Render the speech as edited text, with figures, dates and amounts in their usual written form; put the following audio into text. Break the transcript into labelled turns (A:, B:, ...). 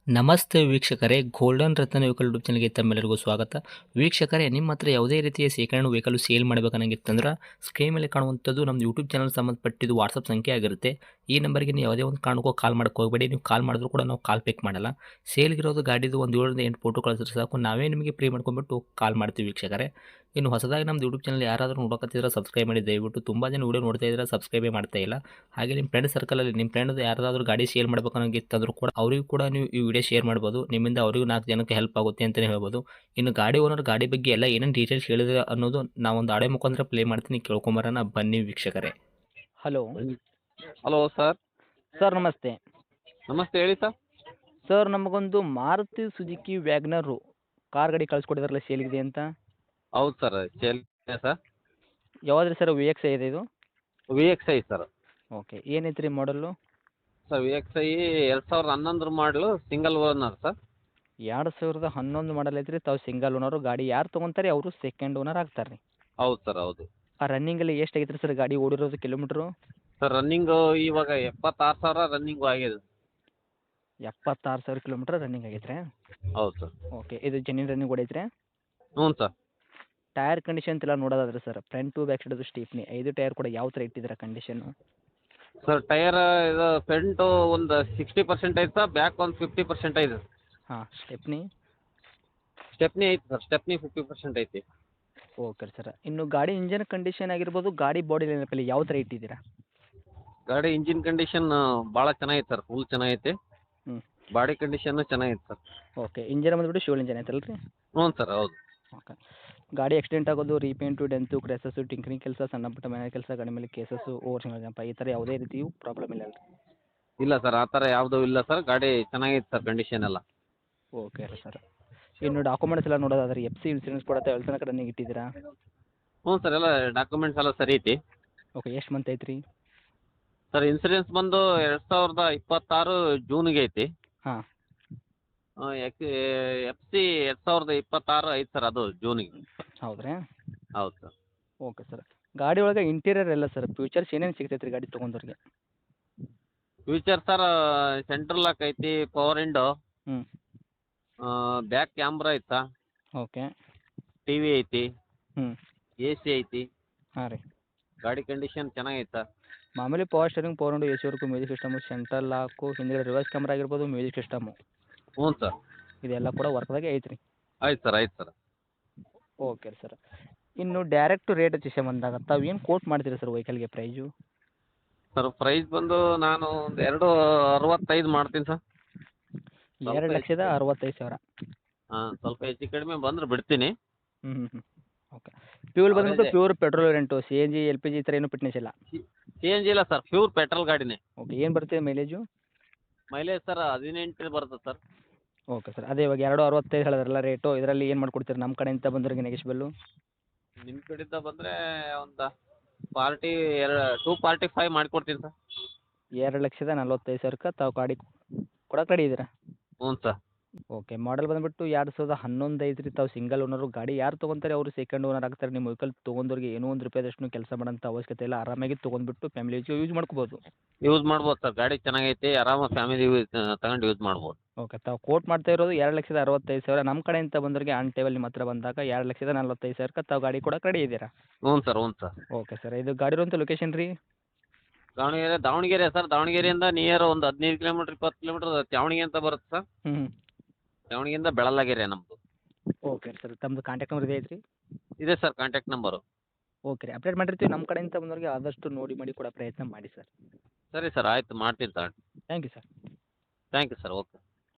A: ನಮಸ್ತೆ ವೀಕ್ಷಕರೇ, ಗೋಲ್ಡನ್ ರತ್ನ vehicle YouTube ಚಾನಲ್ಗೆ ತಮ್ಮೆಲ್ಲರಿಗೂ ಸ್ವಾಗತ. ವೀಕ್ಷಕರೇ, ನಿಮ್ಮ ಹತ್ರ ಯಾವುದೇ ರೀತಿಯ ಶೇಖರಣೆ ವೆಹಿಕಲ್ ಸೇಲ್ ಮಾಡಬೇಕನ್ನಂಗಿತ್ತಂದ್ರೆ ಸ್ಕ್ರೀನ್ ಮೇಲೆ ಕಾಣುವಂಥದ್ದು ನಮ್ಮ ಯೂಟ್ಯೂಬ್ ಚಾನಲ್ ಸಂಬಂಧಪಟ್ಟಿದ್ದು ವಾಟ್ಸಪ್ ಸಂಖ್ಯೆ ಆಗಿರುತ್ತೆ. ಈ ನಂಬರ್ಗೆ ನೀವು ಯಾವುದೇ ಒಂದು ಕಾರಣಕ್ಕೂ ಕಾಲ್ ಮಾಡೋಕ್ಕೆ ಹೋಗಬೇಡಿ. ನೀವು ಕಾಲ್ ಮಾಡಿದ್ರು ಕೂಡ ನಾವು ಕಾಲ್ ಪಿಕ್ ಮಾಡಲ್ಲ. ಸೇಲ್ಗಿರೋದು ಗಾಡಿದು ಒಂದು 7ರಿಂದ 8 ಫೋಟೋ ಕಳಿಸಿದ್ರೆ ಸಾಕು, ನಾವೇ ನಿಮಗೆ ಪ್ರೀ ಮಾಡ್ಕೊಂಡ್ಬಿಟ್ಟು ಕಾಲ್ ಮಾಡ್ತೀವಿ ವೀಕ್ಷಕರೇ. ಇನ್ನು ಹೊಸದಾಗಿ ನಮ್ಮದು ಯೂಟ್ಯೂಬ್ ಚಾನಲ್ ಯಾರಾದರೂ ನೋಡೋಕತ್ತಿದ್ರೆ ಸಬ್ಸ್ಕ್ರೈಬ್ ಮಾಡಿ ದಯವಿಟ್ಟು. ತುಂಬ ಜನ ವೀಡಿಯೋ ನೋಡ್ತಾ ಇದ್ದಾರೆ, ಸಬ್ಸ್ಕ್ರೈಬೇ ಮಾಡ್ತಾ ಇಲ್ಲ. ಹಾಗೆ ನಿಮ್ಮ ಫ್ರೆಂಡ್ ಸರ್ಕಲಲ್ಲಿ ನಿಮ್ಮ ಫ್ರೆಂಡ್ ಯಾರಾದರೂ ಗಾಡಿ ಸೇಲ್ ಮಾಡಬೇಕನ್ನೋಂಗಿತ್ತಂದ್ರೂ ಕೂಡ ಅವರಿಗೂ ಕೂಡ ನೀವು ಈ ವಿಡಿಯೋ ಶೇರ್ ಮಾಡ್ಬೋದು. ನಿಮ್ಮಿಂದ ಅವರಿಗೂ 4 ಜನಕ್ಕೆ ಹೆಲ್ಪ್ ಆಗುತ್ತೆ ಅಂತಲೇ ಹೇಳ್ಬೋದು. ಇನ್ನು ಗಾಡಿ ಓನರ್ ಗಾಡಿ ಬಗ್ಗೆ ಎಲ್ಲ ಏನೇನು ಡೀಟೇಲ್ಸ್ ಹೇಳಿದ್ರೆ ಅನ್ನೋದು ನಾವೊಂದು ಆಡಿಯೋ ಮುಖಾಂತರ ಪ್ಲೇ ಮಾಡ್ತೀನಿ, ಕೇಳ್ಕೊಂಬರೋಣ ಬನ್ನಿ ವೀಕ್ಷಕರೇ. Hello
B: hello sir.
A: ಸರ್, ನಮಸ್ತೆ.
B: ನಮಸ್ತೆ, ಹೇಳಿ ಸರ್.
A: ಸರ್, ನಮಗೊಂದು ಮಾರುತಿ ಸುಜುಕಿ ವ್ಯಾಗ್ನರು ಕಾರ್ ಗಾಡಿ ಕಳಿಸ್ಕೊಡಿದ್ರಲ್ಲ, ಸೇಲ್ಗಿದೆ ಅಂತ.
B: ಹೌದು ಸರ್, ಸೇಲ್ ಸರ್.
A: ಯಾವ್ದು ಸರ್? ವಿ ಎಕ್ಸ್ ಐ ಇದೆ ಇದು?
B: V X I sir.
A: Okay, ಏನೈತೆ ರೀ ಮಾಡಲ್ಲು?
B: ಸರ್ ವಿ ಎಕ್ಸ್ ಐ 2011 ಮಾಡಲು, ಸಿಂಗಲ್ ಓನರ್ ಸರ್.
A: 2011 ಮಾಡಲ್ ಐತ್ರಿ. ತಾವು ಸಿಂಗಲ್ ಓನರು. ಗಾಡಿ ಯಾರು ತೊಗೊಂತಾರೆ ಅವರು ಸೆಕೆಂಡ್ ಓನರ್ ಆಗ್ತಾರೆ ರೀ.
B: ಹೌದು ಸರ್, ಹೌದು.
A: ಆ ರನ್ನಿಂಗಲ್ಲಿ ಎಷ್ಟು ಆಗೈತ್ರಿ ಸರ್ ಗಾಡಿ ಓಡಿರೋದು ಕಿಲೋಮೀಟ್ರು?
B: ಸರ್ ರನ್ನಿಂಗು ಇವಾಗ 76,000 ರನ್ನಿಂಗು ಆಗಿದೆ.
A: 76,000 ಕಿಲೋಮೀಟ್ರ್ ರನ್ನಿಂಗ್ ಆಗೈತೆ ರೀ?
B: ಹೌದು ಸರ್.
A: ಓಕೆ, ಇದು ಜೆನ್ಯೂನ್ ರನ್ನಿಂಗ್ ಓಡೈತ್ರಿ?
B: ಹ್ಞೂ ಸರ್.
A: ಟೈರ್ ಕಂಡೀಷನ್ ಎಲ್ಲ ನೋಡೋದಾದ್ರೆ sir, front to back side stepney 5 tyre ಕೂಡ ಯಾವ ಥರ ಇಟ್ಟಿದ್ದೀರಾ ಕಂಡೀಷನ್ನು?
B: ಸರ್ ಟೈರ್ ಇದು ಫ್ರಂಟು ಒಂದು 60% ಐತೆ ಸರ್, ಬ್ಯಾಕ್ ಒಂದು 50% ಐತೆ.
A: ಹಾಂ, ಸ್ಟೆಪ್ನಿ
B: ಐತೆ ಸರ್, ಸ್ಟೆಪ್ನಿ 50% ಐತಿ.
A: Okay sir. ಇನ್ನು ಗಾಡಿ ಇಂಜನ್ ಕಂಡೀಷನ್ ಆಗಿರ್ಬೋದು, ಗಾಡಿ ಬಾಡಿ ಲೈನಪ್ಪಲ್ಲಿ ಯಾವ ಥರ ಇಟ್ಟಿದ್ದೀರಾ?
B: ಗಾಡಿ ಇಂಜಿನ್ ಕಂಡೀಷನ್ ಭಾಳ ಚೆನ್ನಾಗೈತೆ ಸರ್, ಫುಲ್ ಚೆನ್ನಾಗೈತೆ.
A: ಹ್ಞೂ.
B: ಬಾಡಿ ಕಂಡೀಷನ್ನು ಚೆನ್ನಾಗೈತೆ ಸರ್.
A: ಓಕೆ, ಇಂಜನ್ ಬಂದುಬಿಟ್ಟು ಶಿವಲ್ ಇಂಜನ್ ಐತಲ್ಲ ರೀ?
B: ಹ್ಞೂ ಸರ್, ಹೌದು.
A: ಓಕೆ. ಗಾಡಿ ಆಕ್ಸಿಡೆಂಟ್ ಆಗೋದು, ರೀಪೇಂಟು, ಡೆಂತು, ಕ್ರ್ಯಾಸಸ್ಸು, ಟಿಂಕರಿಂಗ್ ಕೆಲಸ, ಸಣ್ಣ ಪುಟ್ಟ ಮನೆ ಕೆಲಸ, ಗಾಡಿ ಮೇಲೆ ಕೇಸಸ್ಸು, ಓವರ್ ಸಿಂಗಲ್ ಜಂಪ, ಈ ಥರ ಯಾವುದೇ ರೀತಿಯೂ ಪ್ರಾಬ್ಲಮ್ ಇಲ್ಲ ಅಲ್ರಿ?
B: ಇಲ್ಲ ಸರ್, ಆ ಥರ ಯಾವುದೂ ಇಲ್ಲ ಸರ್. ಗಾಡಿ ಚೆನ್ನಾಗೈತೆ ಸರ್, ಕಂಡೀಷನ್ ಎಲ್ಲ.
A: ಓಕೆ ರೀ ಸರ್. ಇನ್ನು ಡಾಕ್ಯುಮೆಂಟ್ಸ್ ಎಲ್ಲ ನೋಡೋದಾದ್ರೆ ಎಫ್ ಸಿ ಇನ್ಸೂರೆನ್ಸ್ ಕೂಡ ತನಕ ರನ್ನಿಂಗ್ ಇಟ್ಟಿದ್ದೀರಾ?
B: ಹ್ಞೂ ಸರ್, ಎಲ್ಲ ಡಾಕ್ಯುಮೆಂಟ್ಸ್ ಎಲ್ಲ ಸರಿ ಐತಿ.
A: ಓಕೆ, ಎಷ್ಟು ಮಂತ್ ಐತ್ರಿ?
B: ಸರ್ ಇನ್ಸೂರೆನ್ಸ್ ಬಂದು 2026 ಜೂನಿಗೆ ಐತಿ.
A: ಹಾಂ.
B: ಎಫ್ ಸಿ 2026 ಐತೆ ಸರ್, ಅದು ಜೂನಿಗೆ.
A: ಹೌದ್ರಾ?
B: ಹೌದು ಸರ್.
A: Okay sir. ಗಾಡಿ ಒಳಗೆ ಇಂಟೀರಿಯರ್ ಎಲ್ಲ ಸರ್ ಫ್ಯೂಚರ್ಸ್ ಏನೇನು ಸಿಗ್ತೈತೆ ರೀ ಗಾಡಿ ತೊಗೊಂಡವ್ರಿಗೆ?
B: ಫ್ಯೂಚರ್ ಸರ್, ಸೆಂಟ್ರಲ್ ಲಾಕ್ ಐತಿ, ಪವರ್ ವಿಂಡೋ,
A: ಹ್ಞೂ.
B: ಬ್ಯಾಕ್ ಕ್ಯಾಮ್ರಾ ಐತೆ ಸರ್,
A: ಓಕೆ.
B: ಟಿ ವಿ ಐತಿ,
A: ಹ್ಞೂ.
B: ಎ ಸಿ ಐತಿ.
A: ಹಾಂ ರೀ.
B: ಗಾಡಿ ಕಂಡೀಷನ್ ಚೆನ್ನಾಗೈತೆ ಸರ್.
A: ಮಾಮೂಲಿ power steering, power window, A C work, music system, central lock, ಹಿಂದ್ಗಡೆ ರಿವರ್ಸ್ ಕ್ಯಾಮ್ರಾ ಆಗಿರ್ಬೋದು, ಮ್ಯೂಸಿಕ್ ಸಿಸ್ಟಮು,
B: ಹ್ಞೂ ಸರ್.
A: ಇದೆಲ್ಲ ಕೂಡ ವರ್ಕ್ದಾಗೆ ಐತೆ ರೀ?
B: ಆಯ್ತು ಸರ್, ಆಯ್ತು ಸರ್.
A: Okay sir. ಇನ್ನು ಡೈರೆಕ್ಟ್ ರೇಟ್ ವಿಷಯ ಬಂದಾಗ ತಾವು ಏನು ಕೋಟ್ ಮಾಡ್ತೀರಿ ಸರ್ ವೆಹಿಕಲ್ಗೆ ಪ್ರೈಸು?
B: ಸರ್ ಪ್ರೈಸ್ ಬಂದು ನಾನು ಒಂದು 265 ಮಾಡ್ತೀನಿ ಸರ್.
A: 2,65,000?
B: ಹಾಂ, ಸ್ವಲ್ಪ ಹೆಚ್ಚು ಕಡಿಮೆ ಬಂದ್ರೆ ಬಿಡ್ತೀನಿ.
A: ಹ್ಞೂ ಹ್ಞೂ ಹ್ಞೂ. ಓಕೆ. ಫ್ಯೂಲ್ ಬಂದ್ಬಿಟ್ಟು pure petrol variant, C N G, L P G ಈ ಥರ ಏನೂ ಫಿಟ್ನೆಸ್ ಇಲ್ಲ?
B: ಸಿ ಎನ್ ಜಿ ಇಲ್ಲ ಸರ್, ಪ್ಯೂರ್ ಪೆಟ್ರೋಲ್ ಗಾಡಿನೇ.
A: ಓಕೆ. ಏನು ಬರುತ್ತೆ ಮೈಲೇಜು?
B: ಮೈಲೇಜ್ ಸರ್ 18 ಬರುತ್ತೆ ಸರ್.
A: Okay sir. ಅದೇ ಇವಾಗ 2,65 ಹೇಳಿದ್ರಲ್ಲ ರೇಟು, ಇದರಲ್ಲಿ ಏನು ಮಾಡ್ಕೊಡ್ತೀರಿ ನಮ್ಮ ಕಡೆಯಿಂದ ಬಂದವ್ರಿಗೆ ನೆಗೆಶ್ಬಲ್ಲು?
B: ನಿಮ್ಮ ಕಡೆಯಿಂದ ಬಂದರೆ ಒಂದು 245 ಮಾಡಿಕೊಡ್ತೀನಿ ಸರ್.
A: 2,45,000 ತಾವು ಗಾಡಿ ಕೊಡಕ್ಕೆ ರೆಡಿ ಇದ್ದೀರಾ?
B: ಹ್ಞೂ ಸರ್.
A: ಓಕೆ. ಮಾಡಲ್ ಬಂದುಬಿಟ್ಟು 2011 ಐತ್ರಿ. ತಾವು ಸಿಂಗಲ್ ಓನರು. ಗಾಡಿ ಯಾರು ತೊಗೊಂತಾರೆ ಅವರು ಸೆಕೆಂಡ್ ಓನರ್ ಆಗ್ತಾರೆ. ನಿಮ್ಮ ವೆಹಿಕಲ್ ತೊಗೊಂಡವ್ರಿಗೆ ಏನೋ ಒಂದು ರೂಪಾಯಿದಷ್ಟು ಕೆಲಸ ಮಾಡೋಂಥ ಅವಶ್ಯಕತೆ ಇಲ್ಲ. ಆರಾಮಾಗಿ ತೊಗೊಂಡ್ಬಿಟ್ಟು ಫ್ಯಾಮಿಲಿ ಯೂಸ್ ಮಾಡ್ಕೋಬೋದು.
B: ಯೂಸ್ ಮಾಡ್ಬೋದು ಸರ್, ಗಾಡಿ ಚೆನ್ನಾಗೈತಿ, ಆರಾಮಾಗಿ ಫ್ಯಾಮಿಲಿ ತಗೊಂಡು ಯೂಸ್ ಮಾಡ್ಬೋದು.
A: ಓಕೆ. ತಾವು ಕೋಟ್ ಮಾಡ್ತಾ ಇರೋದು 2,65,000. ನಮ್ಮ ಕಡೆಯಿಂದ ಬಂದವರಿಗೆ ಆನ್ ಟೇಬಲ್ ನಿಮ್ಮ ಹತ್ರ ಬಂದಾಗ 2,45,000 ತಾವು ಗಾಡಿ ಕೊಡಕ್ಕೆ ರೆಡಿ ಇದ್ದೀರಾ?
B: ಹ್ಞೂ ಸರ್, ಹ್ಞೂ ಸರ್.
A: Okay sir. ಇದು ಗಾಡಿ ಇರುವಂಥ ಲೊಕೇಶನ್ ರೀ?
B: ದಾವಣಗೆರೆ ಸರ್. ದಾವಣಗೆರೆಯಿಂದ ನಿಯರ್ ಒಂದು 15 ಕಿಲೋಮೀಟ್ರ್ 20 ಕಿಲೋಮೀಟ್ರ್ ತ್ಯಾವಣಿಗೆ ಅಂತ ಬರುತ್ತೆ ಸರ್.
A: ಹ್ಞೂ.
B: ತ್ಯಾವಣಿಗೆಯಿಂದ ಬೆಳಲಾಗೆರೆ ನಮ್ಮದು.
A: Okay sir. ತಮ್ಮದು ಕಾಂಟ್ಯಾಕ್ಟ್ ನಂಬರ್ ಇದೆ ಐತ್ರಿ?
B: ಇದೆ ಸರ್ ಕಾಂಟ್ಯಾಕ್ಟ್ ನಂಬರು.
A: ಓಕೆ ರೀ. ಅಪ್ಡೇಟ್ ಮಾಡಿರ್ತೀವಿ. ನಮ್ಮ ಕಡೆಯಿಂದ ಬಂದವರಿಗೆ ಆದಷ್ಟು ನೋಡಿ ಮಾಡಿ ಕೊಡೋ ಪ್ರಯತ್ನ ಮಾಡಿ ಸರ್.
B: ಸರಿ ಸರ್, ಆಯಿತು ಮಾಡ್ತೀನಿ sir.
A: Thank you sir.
B: Thank you sir. Okay.